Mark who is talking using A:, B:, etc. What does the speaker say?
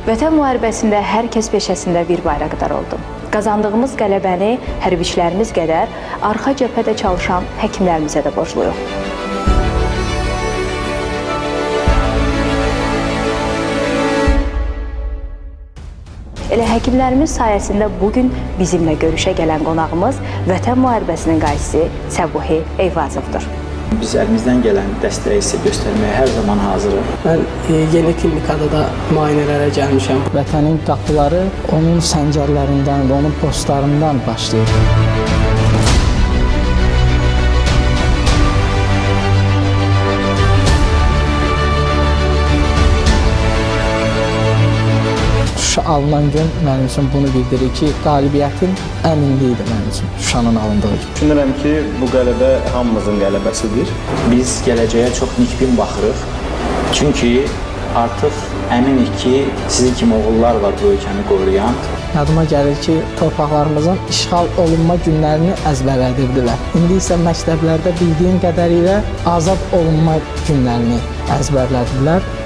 A: Vətən müharibəsində hər kəs peşəsində bir bayraqdar oldu. Qazandığımız qələbəni hərbiçilərimiz qədər arxa cəbhədə çalışan həkimlərimizə də borcluyuq. Elə həkimlərimiz sayəsində bugün bizimlə görüşə gələn qonağımız Vətən müharibəsinin qaysisi Səbuhi Eyvazovdur.
B: Biz əlimizdən gələn dəstəyi sizə göstərməyə hər zaman hazırıq.
C: Mən yeni klinikada da müayinələrə gəlmişəm.
D: Vətənin qapıları onun səngərlərindən və onun postlarından başlayır. Şuşa alınan gün mənim üçün bunu bildirir ki, qalibiyyətin əminliyidir mənim üçün Şuşanın alındığı gün.
E: Düşünürəm ki, bu qələbə hamımızın qələbəsidir.
B: Biz gələcəyə çox nikbin baxırıq. Çünki artıq əminik ki, sizin kimi oğullar var bu ölkəni qoruyan.
D: Yadıma gəlir ki, torpaqlarımızın işğal olunma günlərini əzbərlədirdilər. İndi isə məktəblərdə bildiyim qədərilə azad olunma günlərini əzbərlədilər.